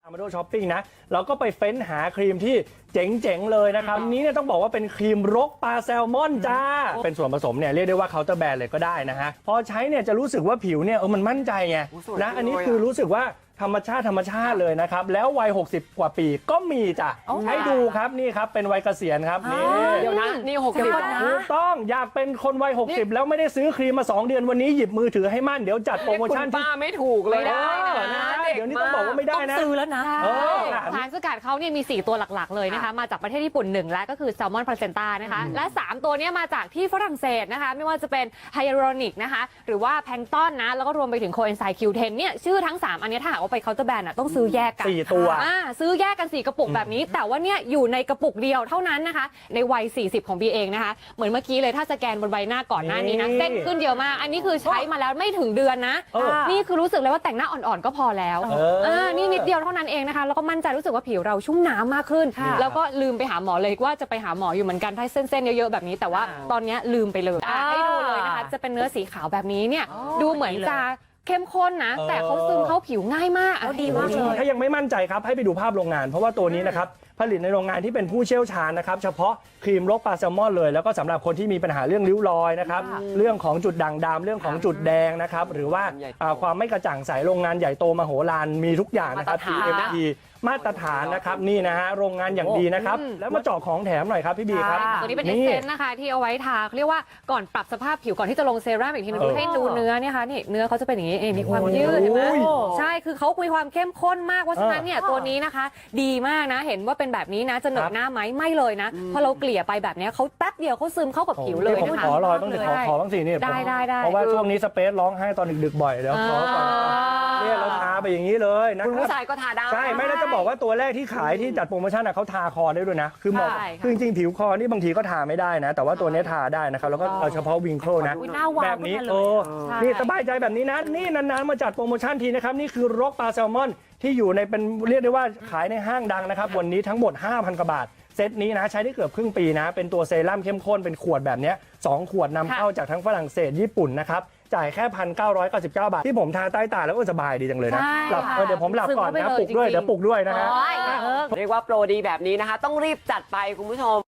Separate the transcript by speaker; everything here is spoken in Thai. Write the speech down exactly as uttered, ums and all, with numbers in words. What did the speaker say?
Speaker 1: มาดูช้อปปิ้งนะเราก็ไปเฟ้นหาครีมที่เจ๋งๆเลยนะครับนี้เนี่ยต้องบอกว่าเป็นครีมรกปลาแซลมอนจ้าเป็นส่วนผสมเนี่ยเรียกได้ว่าเคาน์เตอร์แบรนด์เลยก็ได้นะฮะพอใช้เนี่ยจะรู้สึกว่าผิวเนี่ยเออมันมั่นใจไงนะอันนี้คือรู้สึกว่าธรรมชาติธรรมชาติเลยนะครับแล้ววัยหกสิบกว่าปีก็มีจ้ะให้ดูครับนี่ครับเป็นวัยเกษียณครับนี่
Speaker 2: เดี๋ยวนะนี่หกสิบนะ
Speaker 1: ถูกต้องอยากเป็นคนวัยหกสิบแล้วไม่ได้ซื้อครีมมาสองเดือนวันนี้หยิบมือถือให้มั่นเดี๋ยวจัดโปรโมชั่น
Speaker 2: ป้าไม่ถูกเลยนะ
Speaker 1: เดี๋ยวนี้ต้องบอกว่าไม่ได้นะ
Speaker 3: ซื้อแล้วนะ
Speaker 4: สารสกัดเขาเนี่ยมีสี่ตัวหลักๆเลยนะคะมาจากประเทศญี่ปุ่นหนึ่งและก็คือแซลมอนพลาเซนต้านะคะและสามตัวนี้มาจากที่ฝรั่งเศสนะคะไม่ว่าจะเป็นไฮยาลูรอนิกนะคะหรือว่าแพลงก์ตอนนะแล้วก็รวมไปถึงโคเอนไซม์ คิว เท็น เนี่ยชื่อทั้งสามอันนี้ถ้าหากว่าไปเคาน์เตอร์แบรนด์ต้องซื้อแยกกัน
Speaker 1: สี่ตัว
Speaker 4: อ่าซื้อแยกกันสี่กระปุกแบบนี้แต่ว่าเนี่ยอยู่ในกระปุกเดียวเท่านั้นนะคะในวัยสี่สิบของบีเองนะคะเหมือนเมื่อกี้เลยถ้าสแกนบนใบหน้าก่อนหน้านี้นะเส้นขึ้นเยอะมากอันนี้คือใช้มาแล้วไม่ถึงเดือนนะนี่คือรู้สึกเลยว่าแต่งหน้าอ่อนๆก็พอแล้วอ่านี่นิดเดียวเท่านั้นเองนะคะแล้วก็มั่นใจรู้สึกว่าผิวเราชุ่มน้ำมากขึ้นแล้วก็ลืมไปหาหมอเลยว่าจะไปหาหมออยู่เหมือนกันถ้าเส้นๆเยอะๆแบบนี้แต่ว่าตอนนี้ลืมไปเลยให้ดูเลยนะคะจะเป็นเนื้อสีขาวแบบนี้เนี่ยดูเหมือนจะเข้มข้นนะแต่เขาซึมเข้าผิวง่ายมาก
Speaker 3: ดีมากเลย
Speaker 1: ถ้ายังไม่มั่นใจครับให้ไปดูภาพโรงงานเพราะว่าตัวนี้นะครับผลิตในโรงงานที่เป็นผู้เชี่ยวชาญนะครับเฉพาะครีมรกปลาแซลมอนเลยแล้วก็สำหรับคนที่มีปัญหาเรื่องริ้วรอยนะครับเรื่องของจุดด่างดำเรื่องของจุดแดงนะครับหรือว่าความไม่กระจ่างใสโรงงานใหญ่โตมโหฬารมีทุกอย่างนะครับ ที เอ็ม ที มาตรฐานนะครับนี่นะฮะโรงงานอย่างดีนะครับแล้วมาเจาะของแถมหน่อยครับพี่บีครับ
Speaker 4: ตัวนี้เป็นเอสเซนต์นะคะที่เอาไว้ทาเรียกว่าก่อนปรับสภาพผิวก่อนที่จะลงเซรั่มอีกทีนึงให้ดูเนื้อเนี่ยค่ะนี่เนื้อเขาจะเป็นอย่างนี้มีความยืดเห็นไหมใช่คือเขามีความเข้มข้นมากเพราะฉะนั้นเนี่ยตัวนี้นะคะดีมากนะเห็นว่าเป็นแบบนี้นะจะเหนอะหน้าไหมไม่เลยนะพอเราเกลี่ยไปแบบนี้เขาแป๊บเดียวเขาซึมเข้ากับผิวเลย
Speaker 1: ผมขอรอยต้องขอขอบ้างสินี่
Speaker 4: ได้ได้ได้
Speaker 1: เพราะว่าช่วงนี้สเปซร้องไห้ตอนดึกๆบ่อยเดี๋ยวขอก่อนเนี่ยเราทาไปอย่างนี้เลยนะ
Speaker 2: คุณผู้ชายก็ทาได้
Speaker 1: ใช่ไม่แล้วจะบอกว่าตัวแรกที่ขายที่จัดโปรโมชั่นเขาทาคอได้ด้วยนะคือเหมาะคือจริงๆผิวคอนี่บางทีก็ทาไม่ได้นะแต่ว่าตัวนี้ทาได้นะครับแล้วก็เอาเฉพาะวิงโครนะแบบนี้โอ้นี่สบายใจแบบนี้นะนี่นานๆมาจัดโปรโมชั่นทีนะครับนี่คือรกปลาแซลมอนที่อยู่ในเป็นเรียกได้ว่าขายในห้างดังนะครับวันนี้ทั้งหมด ห้าพัน กว่าบาทเซตนี้นะใช้ได้เกือบครึ่งปีนะเป็นตัวเซรั่มเข้มข้นเป็นขวดแบบนี้สองขวดนำเข้าจากทั้งฝรั่งเศสญี่ปุ่นนะครับจ่ายแค่ หนึ่งพันเก้าร้อยเก้าสิบเก้า บาทที่ผมทาใต้ตาแล้วก็สบายดีจังเลยนะหลับเดี๋ยวผมหลับก่อนนะปลุกด้วยเดี๋ยวปลุกด้วยนะฮะ
Speaker 2: เรียกว่าโปรดีแบบนี้นะคะต้องรีบจัดไปคุณผู้ชม